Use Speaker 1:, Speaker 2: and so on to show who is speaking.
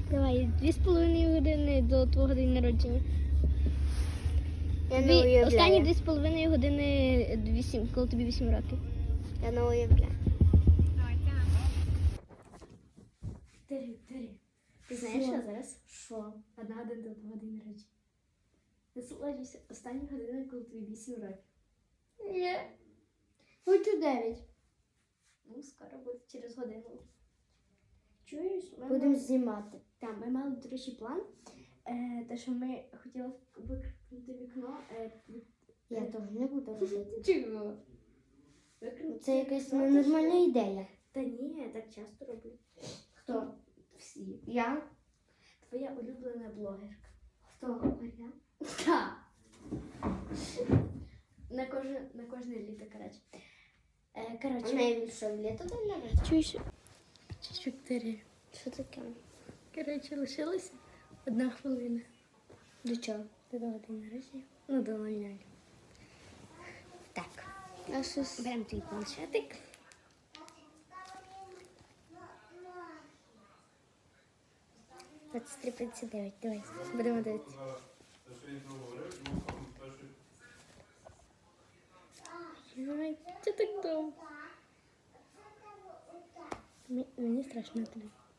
Speaker 1: Давай, 2,5 години до твого дня народження.
Speaker 2: Я не уявляю.
Speaker 1: Останні 2,5 години 8, коли тобі 8 років.
Speaker 2: Я не уявляю.
Speaker 1: Тирі. Ти знаєш, що зараз?
Speaker 2: Що?
Speaker 1: 1 година до твого дня народження. Насолоджуйся останні години, коли тобі 8 років.
Speaker 2: Ні. Хочу 9.
Speaker 1: Ну, скоро буде через годину. Чуєш?
Speaker 2: Будемо знімати.
Speaker 1: Так, ми мали, до речі, план. Те, що ми хотіли викрикнути вікно.
Speaker 2: Я теж не буду робити.
Speaker 1: Чого?
Speaker 2: Це якась ненормальна ідея.
Speaker 1: Та ні, я так часто роблю.
Speaker 2: Хто?
Speaker 1: Всі.
Speaker 2: Я?
Speaker 1: Твоя улюблена блогерка.
Speaker 2: Хто? Я?
Speaker 1: Так. На кожне літо, коротше.
Speaker 2: А найбільше в літо день народження?
Speaker 1: Чуєш? Вікторія.
Speaker 2: Що таке?
Speaker 1: Коротше, лишилася 1 хвилина.
Speaker 2: До чого?
Speaker 1: До того день народження. Ну, до 00. Так.
Speaker 2: А щось...
Speaker 1: Беремо твій планшетик. Двадцять 3:59. Давай, будемо дивитися. Ой, це так довго. Мені страшно туди.